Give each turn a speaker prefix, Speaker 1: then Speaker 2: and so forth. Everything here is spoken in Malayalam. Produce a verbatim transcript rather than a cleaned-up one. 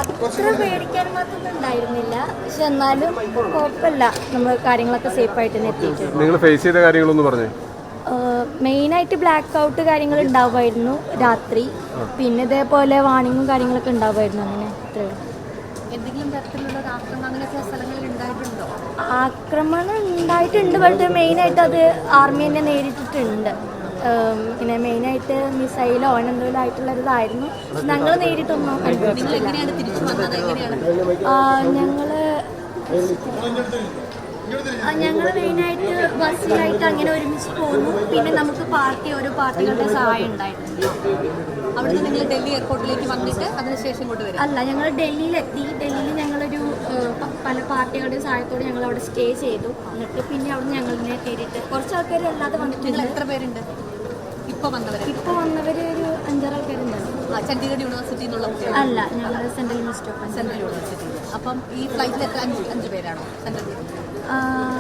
Speaker 1: അത്ര പേടിക്കാൻ മാത്രമൊന്നും ഉണ്ടായിരുന്നില്ല. പക്ഷെ എന്നാലും കുഴപ്പമില്ല, നമ്മൾ കാര്യങ്ങളൊക്കെ സേഫ് ആയിട്ട് തന്നെ എത്തിയിട്ടുണ്ട്.
Speaker 2: നിങ്ങൾ ഫേസ് ചെയ്ത കാര്യങ്ങളൊന്നും പറഞ്ഞേ?
Speaker 1: മെയിനായിട്ട് ബ്ലാക്ക് ഔട്ട് കാര്യങ്ങൾ ഉണ്ടാവുമായിരുന്നു രാത്രി. പിന്നെ ഇതേപോലെ വാണിങ്ങും കാര്യങ്ങളൊക്കെ ഉണ്ടാവുമായിരുന്നു. അങ്ങനെ ഇത്രയും.
Speaker 3: എന്തെങ്കിലും തരത്തിലുള്ള ആക്രമണം അങ്ങനെയൊക്കെ സ്ഥലങ്ങളിൽ ഉണ്ടായിട്ടുണ്ടോ?
Speaker 1: ആക്രമണം ഉണ്ടായിട്ടുണ്ട്. പക്ഷേ മെയിനായിട്ട് അത് ആർമി തന്നെ നേരിട്ടിട്ടുണ്ട്. പിന്നെ മെയിനായിട്ട് മിസൈലോ എന്തെങ്കിലും ആയിട്ടുള്ളതായിരുന്നു. ഞങ്ങൾ നേരിട്ടൊന്നും അനുഭവിച്ചില്ല. ഞങ്ങള് ഞങ്ങൾ മെയിനായിട്ട് ബസ്സിലായിട്ട് അങ്ങനെ ഒരുമിച്ച് പോകുന്നു. പിന്നെ നമുക്ക് പാർട്ടി ഓരോ പാർട്ടികളുടെ സഹായം ഉണ്ടായിട്ടുണ്ട്.
Speaker 3: അവിടുന്ന് നിങ്ങൾ ഡൽഹി എയർപോർട്ടിലേക്ക് വന്നിട്ട് അതിനുശേഷം ഇങ്ങോട്ട് വരും?
Speaker 1: അല്ല, ഞങ്ങൾ ഡൽഹിയിലെത്തി. ഡൽഹിയിൽ ഞങ്ങളൊരു പല പാർട്ടികളുടെ സഹായത്തോടെ ഞങ്ങൾ അവിടെ സ്റ്റേ ചെയ്തു. എന്നിട്ട് പിന്നെ അവിടെ ഞങ്ങളിനെ കയറിയിട്ട് കുറച്ച് ആൾക്കാർ അല്ലാതെ വന്നിട്ടുണ്ട്.
Speaker 3: എത്ര പേരുണ്ട് ഇപ്പോൾ വന്നവർ?
Speaker 1: ഇപ്പോൾ വന്നവർ ഒരു അഞ്ചാറ് ആൾക്കാരുണ്ടായിരുന്നു.
Speaker 3: ചണ്ഡീഗഡ് യൂണിവേഴ്സിറ്റി എന്നുള്ള
Speaker 1: അല്ല, ഞങ്ങൾ central university of
Speaker 3: central university. അപ്പം ഈ ഫ്ലൈറ്റിൽ എത്ര അഞ്ച് അഞ്ച് പേരാണോ സെൻട്രൽ?